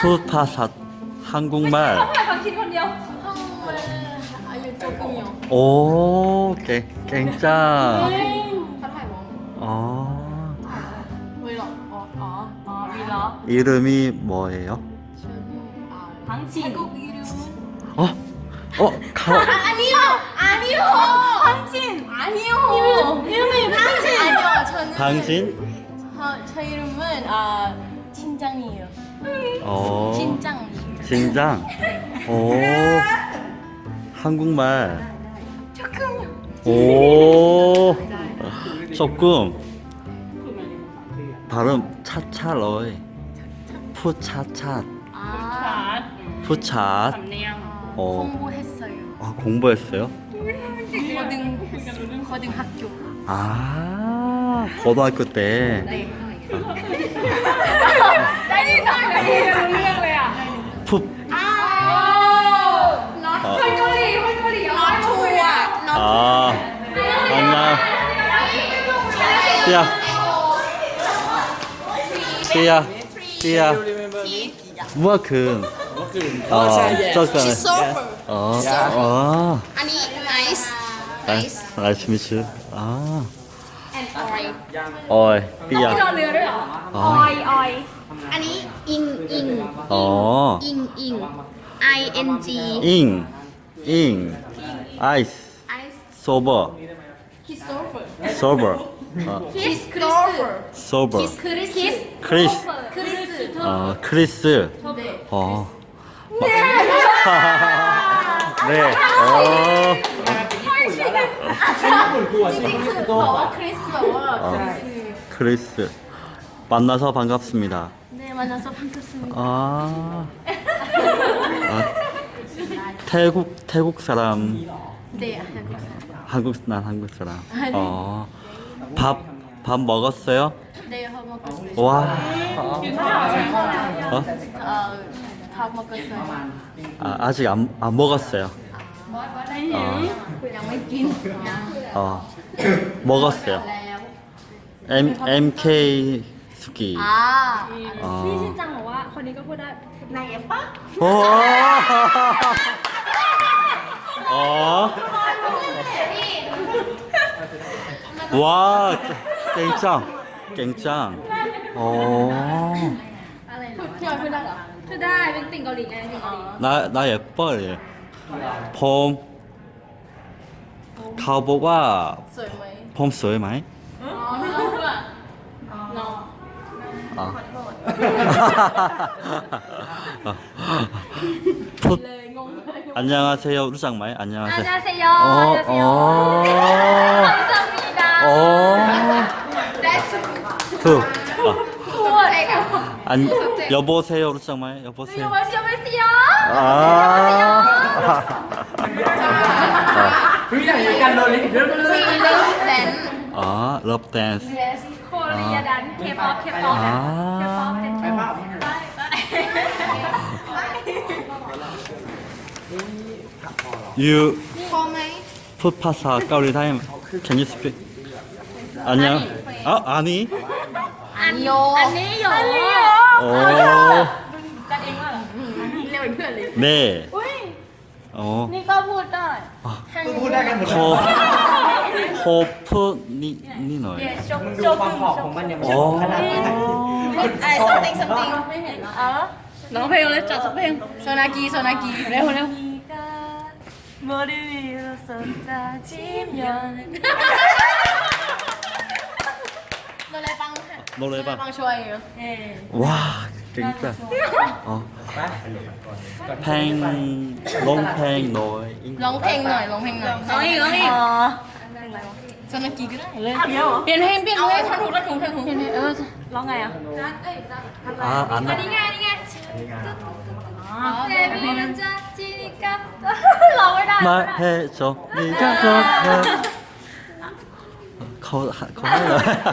푸파사 한국말. 한국말 아유 조금요. 오, 깽짱. 어, 왜요? 위로. 이름이 뭐예요? 당신. 한국 이름. 아니요. 당신. 아니요. 이름이 당신. 아니요. 저는 당신? 저 이름은 진장이에요. 진장. 진장. 오, 한국말. 조금요. 오, 조금. 발음 차차로이. 푸차차. 푸차. 공부했어요. 공부했어요? 고등학교. 고등학교 때. 네. 푸. 안녕. 띠야. 무아큰. 쩌잖아. 아니 nice. 나이스 미츠. 어이, 띠야. 아니 ing ing 아이스. 소버. 소버. 크리스. 크리스. 네. 크리스. 만나서 반갑습니다. 네 만나서 반갑습니다. 태국 사람. 네 난 한국 사람. 밥 먹었어요? 네 먹었어요. 와. 다 먹었어요. 아직 안 먹었어요. 먹었어요. MK 스키. พี่ชินจังบอกว่าคนนี้ก็พูดได้นายเอฟปะ 와, 깽짱. พี่ออยพูดได้เหรอพูดได้เป็นติ่งเกาหลีไงติ่งเกาหลี 나 예뻐. 봄. 가보가 สวยไหม 봄สวยไหม? ไม่รู้อ่ะ 안녕하세요. 루장마이. 안녕하세요. 안녕하세요. 감사합니다. 두. 여보세요. 루장마이. 여보세요. 여보세요. 러브 댄스. 코리아 단 K-pop. You พอไหม putภาษา Gauri time. Can you speak? 안녕. 아니. 아니요. 아니요. 오. กันเองว่าเรียกเป็นเพื่อนเลย 네. นี่ก็พูดได้พูดได้กันหมด 호프 니 너예요. ความหอมของมันยังไม่ใช่ขนาดนั้น something ไม่เห็นเหรอร้องเพลงเลยจัดสักเพลงโซนากีเร็ว 머리 위로 쏟아지면 노래방. ฟังช่วย 와, 진짜. 팽, 롱팽 너의 ร้องเพลงหน่อยร้องอีกโซนากีก็ได้เลยเปลี่ยนเพลงท่อนถูกร้องไงอ่ะ 안 나. นี่ไงเบบี้มันจะจีกับเราไม่ได้ 말해줘 네가 좋아. 거 해요.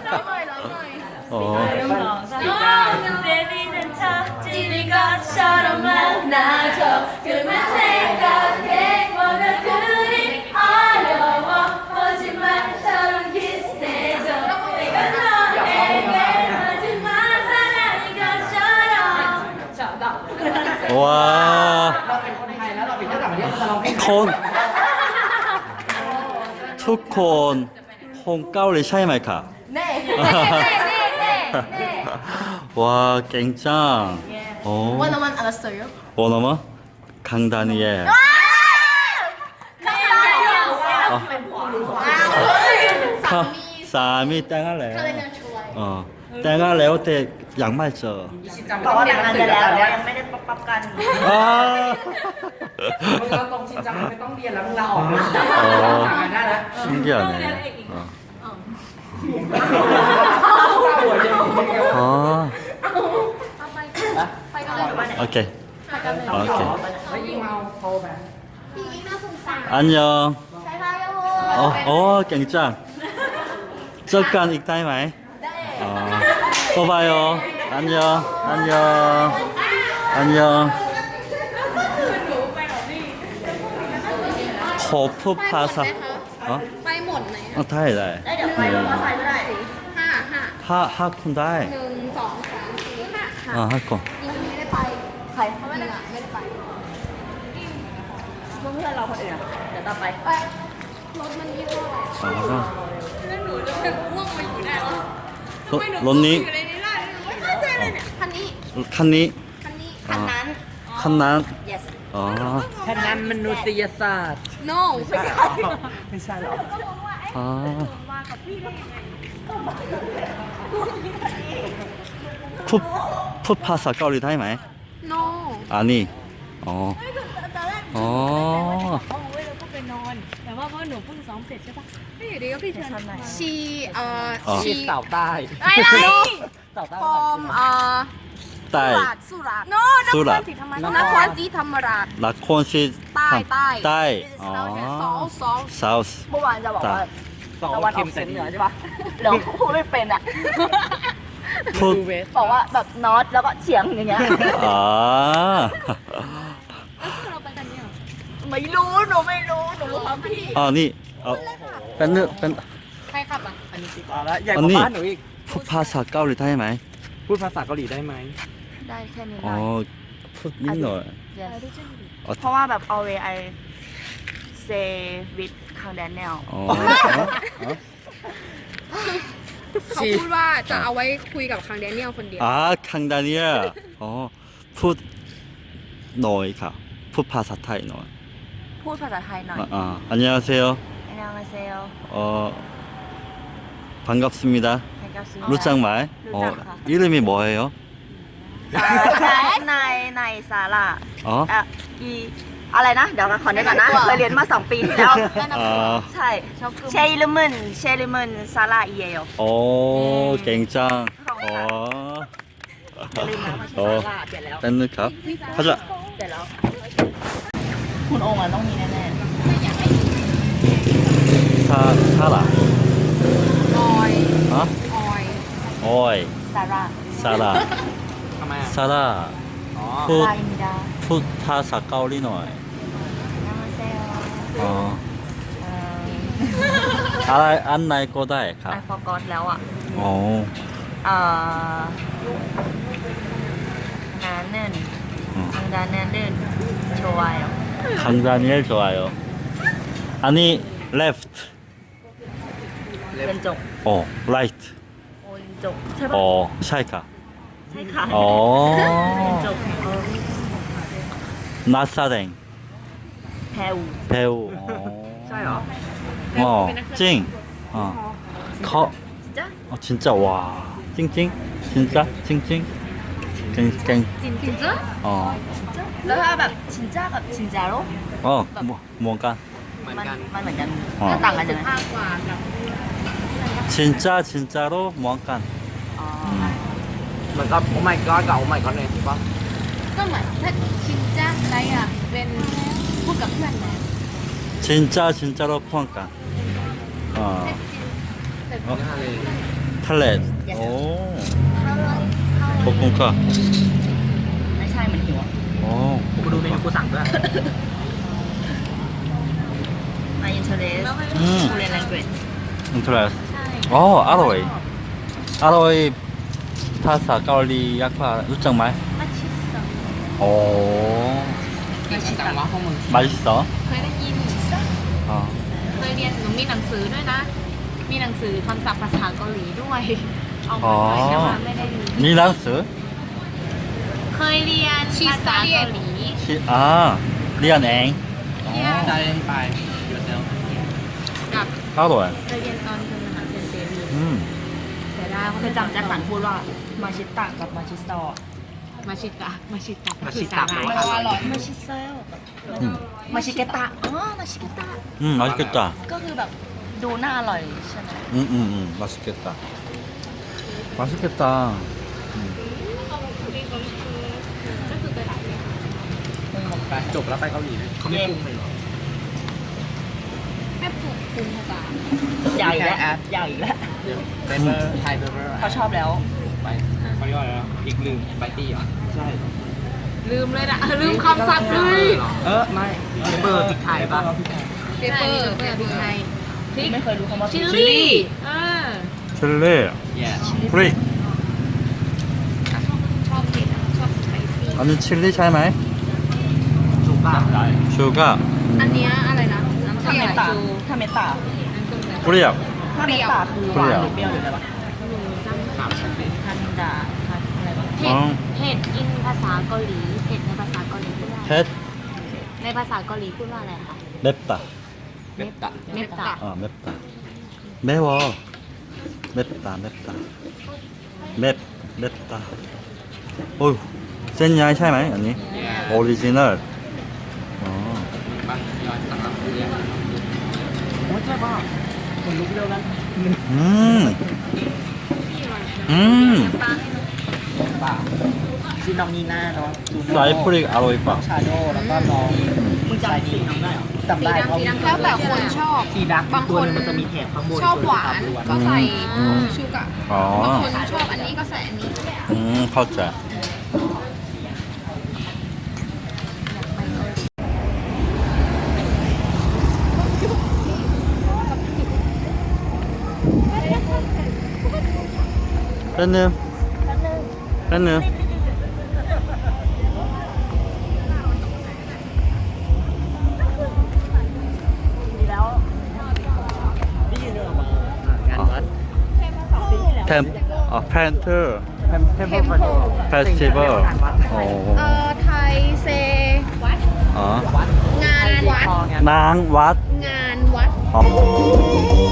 베비는 척지니 것처럼 만나줘 그만 생각해 뭐가 그리 어려워 거짓말처럼 키스해줘 내가 너에게 거짓말 사랑인 것처럼 ว้าเราเป็นคนไทยแล้วเราไปเที่ยวต่างประเทศเราร้องเพลงคนทุกคนคงเกาหลีใช่ไหมครับ 네. ว้าเก่งจังโอ้ 원어만 알았어요? 원어만 강다니엘 사미 땡할래 어 땡할래 어때 양말 줘 บอกว่าแต่งงานกันแล้วแต่ว่ายังไม่ได้ปั๊บกัน 아 มึงเราตรงชินจังไม่ต้องเรียนแล้วมึงลาออกนะ 어 ทำงานได้แล้ว 신기하네 어. 아 ไปกันเลย 오케이 오케이 แล้วยิ่งเมาโทรแบบพี่ยิ่งน่าสงสาร 안녕 ใช่ค่ะโอ้ 깽짱 잠깐 익타임 아이 또 봐요 안녕 안녕 안녕 거푸 파사 어? ไปหมดไหน 어 다이 다이 แล้วเดี๋ยวไปรถมอเตอร์ไซค์ก็ได้ห้า 하쿤 다이 1 2 3 4 5 어 하쿤 ยังไม่ได้ไปใครเพราะว่าไม่ได้ไปเพื่อนเราคนอื่นอะเดี๋ยวต่อไปไปรถมันยี่ห้ออะไร 아 แล้วหนูจะเป็นง่วงมาอยู่ได้หรอ 론니 อยู่ในนี้ได้ไม่เข้าใจเลยเนี่ยคันนี้ 칸니 คันนี้คันนั้น 칸난 yes 어 แค่นั้นมนุษยศาสตร์ no ไม่ใช่ไม่ใช่หรอ 아. 풋파사 까울리 타이마이? no 아니. 어. 어. แต่ว่าเพราะหนูเพิ่งซ้อมเสร็จใช่ปะไม่อยู่ดีก็พี่เชิญชีอ๋อชีสาวใต้อะไรสาวใต้ from 딸. สุราษฎร์ no นคสุรราษฎร์ศรีธรรมราชนครศรีธรรมราช 라콘시. 딸. 딸. ซอ 어. ซอ 사우스. เมื่อวานจะบอกว่าสองตะวันอเข็อมกแต่เฉียงดีเหนือใช่ปะเดี๋ยวพูดไม่เป็นอ่ะ 풋. บอกว่าแบบนอตแล้วก็เฉียงอย่างเงี้ย 아. เราไปกันเนี่ยไม่รู้หนูไม่รู้หนูรู้ความพี่ 아니. 어. 밴드 밴드. ใครขับอ่ะเอาละใหญ่กว่าบ้านหนูอีก 풋파사 까울리 타이마이? พูดภาษาเกาหลีได้ไหมได้แค่นี้ได้ 어. 풋 민널. yes เพราะว่าแบบ always I say with คางแดนแนล 어. 어? 어? เขาพูดว่าจะเอาไว้คุยกับคังแดเนียลคนเดียว 아, 강다니엘. 어. 풋 너이카. 풋파사 타이 너. พูดภาษาไทยหน่อย 안녕하세요. ไอ้นางมาเซล 어. 반갑습니다. ให้กับซี 루짱말. 어. 이름이 뭐예요? นายซาร่า 어? อีอะไรนะ เดี๋ยวขอนึกก่อนนะ เคยเรียนมา 2 ปีที่แล้ว 아. ใช่เชลิมนซาร่าอีเยล 오, 갱짱. 어. ลืมนะมาชื่อ 어. ซาร่าเปลี่ยนแล้ว 밴드캅. 가자. เปลี่ยนแล้ว คุณโองอ่ะต้องมีแน่ 사라. ออย 어? ออย 오이. ๆซาร่า 사라. ทำไมอ่ะ 사라. อ๋อลา 풋, อินดา 풋파사 까울리노이. นางมาเซล 어. 안나이 꼬다이 ไอ 가. ฟอร์กอตแล้วอ่ะ 어. นาเนิน 응. ทางดานเนินเดินโชวาย 강다니엘 좋아요. 아니, left. เป็นจก 어, right. โอลินจกใช่ปะ 어, 샤이카. ใช่ค่ะ 어. เป็นจก 나사랭. แพรว 배우. ใช่เหรอ 어, 찡. 어. 커. จ้ะ 진짜 와. 찡찡. 진짜 찡찡. 찡찡. จินจริงจ้ะ 어. แล้วถ้าแบบชินจ้ากับชินจาโร่ 어, 뭔가. เหมือนมันกันมันเหมือนกันอ๋อต่างกันยังไงมากกว่ากับ 진짜로 뭔가. อ๋อเหมือนกับโอ้ my god กับโอ้ my god เนี่ยถูกปะก็เหมือนถ้าชินจ้าอะไรอ่ะ เป็นพูดกับเพื่อนนะ 진짜로 뭔가. 어. 어. 탈렛. 오. 볶음카. ไม่ใช่มันหิว 어. กูดูเมนูกูสั่งด้วยมาอินเทอร์เนส 음. กูเรียนแลงเกจ 인트레스. 어, 아로이. 아로이 파사 까올리 약파 루짱말. มาชิสัง 오. จริงจังวะพวกมึง 맛있어? เคยได้ยิน 어. เคยเรียนหนูมีหนังสือด้วยนะ มีหนังสือคำศัพท์ภาษาเกาหลีด้วย เอามาด้วยแต่ว่าไม่ได้เรียน 니랑스? เคยเรียนภาษาเกาหลี 아, 리안엥. ใจไปเดี๋ยวเซลกับ 따로해. เคยเรียนตอนเป็นมหาเซนเซรีเสียดายเคยจำแจ็คสันพูดว่ามาชิตะกับมาชิโซะมาชิตะมาชิตะมาชิตะคือแปลสาหร่ายว่าอร่อยมาชิเซล มาชิเกตะอ๋อมาชิเกตะ 맛있겠다. ก็คือแบบดูน่าอร่อยใช่ไหม 맛있겠다. 맛있겠다. ก็คือกระดาษเนี่ยไปจบแล้วไปเกาหลีเลยเขาไม่ปรุงเลยเหรอแม่ปรุงภาษาใหญ่แล้วใหญ่แล้วเดี๋ยวเบเบอร์ไทยเบเบอร์เขาชอบแล้วไปเขาเรียกว่าอะไรนะอีกลืมไปตี้เหรอใช่ลืมเลยนะลืมคำศัพท์เลยไม่เบเบอร์พริกไทยป่ะเปเปอร์พริกไทยพริกไม่เคยรู้คำว่าชิลลี่อ่า 칠리, แย่ 프리. ชอบเผ็ดอะชอบสไปซี่ 아니 칠리 차이마이? จุกบ้าได้ 슈가, อันเนี้ยอะไรนะน้ำถ้าส้มเมสายตาชูถ้าเมตาน้ำส้มสายชู 프리야. ถ้าเมตาคือหวานหรือเปรี้ยวหรืออะไรวะถามฉันดิทันดาทันอะไรวะเผ็ดเผ็ดอินภาษาเกาหลีเผ็ดในภาษาเกาหลีพูดว่า 햇, ในภาษาเกาหลีพูดว่าอะไรคะ 맵다. เม็ดตะเมตตา 맵다. 매워. 맵다, 맵다. 맵다. 어휴, 센 야이 차이마이? 아니? แย่ 오리지널. 어. ป่ะย้อนสั่งรับเรียนโอ้ยใช่ป่ะคนลุกเร็วกัน ป่ะชื่อน้องนีน่าเนาะจูโน่ 사이프릭 아로이빠. ชาโดแล้วก็น้องมึงจำสีน้องได้เหรอจำได้เพราะสีดำแล้วแต่คนชอบสีดักบางตัวคนนึงมันจะมีแถบข้างบนชอบหวานก็ใส่ชูกะบาง 어. คนชอบอันนี้ก็ใส่อันนี้ 커자. 팬님. 팬님. งานวัด 팬트 เทมเพลฟัน 페스티벌. 어. ไทยเซ 어. งานวัด 낭왓. งานวัด 어.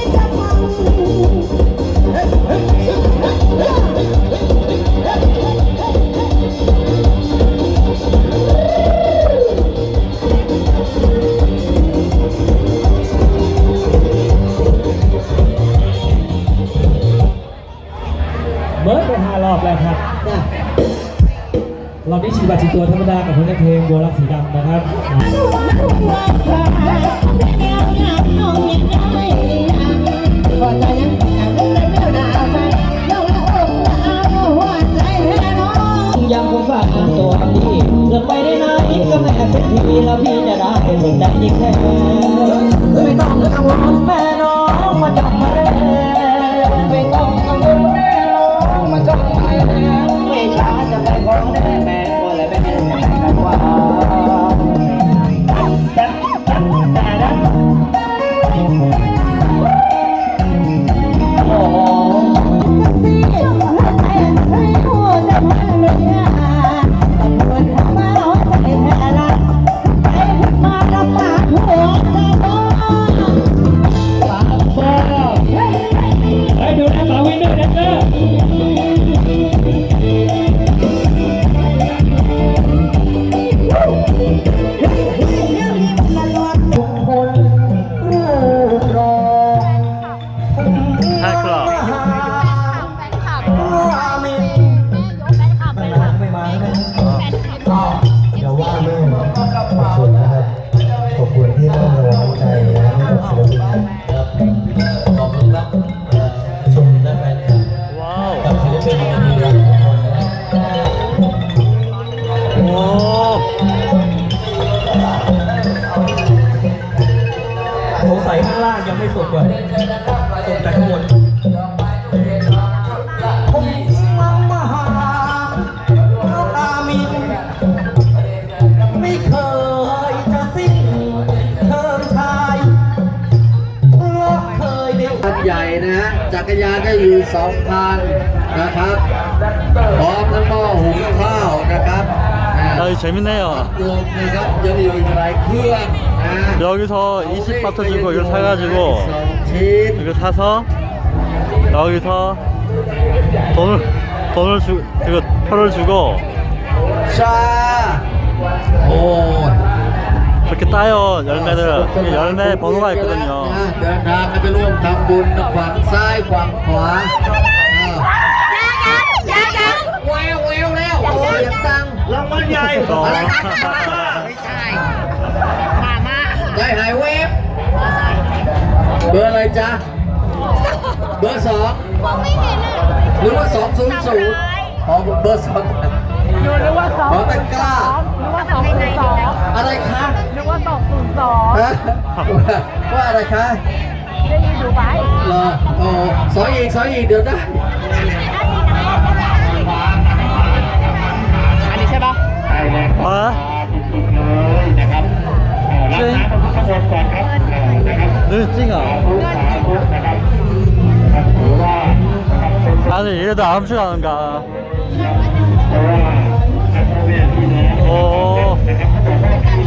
เบิร์ดไป5 รอบแล้วครับรอบนี้ฉีดบัตรฉีดตัวธรรมดากับผลงานเพลงบัวรักสีดำนะครับ ยังคงฝากตัวดีจะไปได้ไหนก็แม่เป็นทีแล้วพี่จะได้สนใจยิ่งแค่ไม่ต้องกังวลแม่น้องมาจับมาเลยไม่ต้องกังวลแม่น้องมาจับมาเลยไม่ช้าจะไปขอแน่แม่ก็เลยไม่เป็นไรกันว่าโอ้โห ไปดูนะมาวินด้วยนะเจ้าทุกคนรอ 팬클럽. แฟนคลับไม่แฟนคลับไม่มานะอย่าว่าแม่ขอบคุณนะครับขอบคุณที่ให้กำลังใจนะครับให้กับศิลปินครับขอบคุณครับชมและแฟนคลับ 와우. กับศิลปินในนี้ครับทุกคนนะครับ 오. สงสัยข้างล่างยังไม่สุกว่ะสุกแต่ข้างบนผมมาหาอามินไม่เคอยู่2 คันนะครับพร้อมทั้งหม้อหุงข้าวนะครับ 아, 재밌네요. รวมนะครับยังอยู่อีกหลายเครื่องนะ 여기서 20바트 주고 이걸 사가지고 2 ชิ้น 이거 사서 여기서 돈을 그 표를 주고 ชาโอ้ย 그렇게 따요 열매를. 이게 열매 번호가 있거든요. เดินทางกันไปร่วมทำบุญฝั่งซ้ายฝั่งขวาแววแล้วโอ้ยยังตังรางวัลใหญ่ อะไรไม่ใช่ใจหายเวฟเบอร์อะไรจ๊ะเบอร์ 2หรือว่า 200อ๋อเบอร์ 2หรือว่า2ของตะกร้าหรือว่า202อะไรคะหรือว่า202ว่าอะไรคะได้ยินดูไปเหรอโอ้สอยอีกเดี๋ยวได้อันนี้ใช่ปะ 아? 네, 찡아. 아니, 얘도 암수 하는가? 오.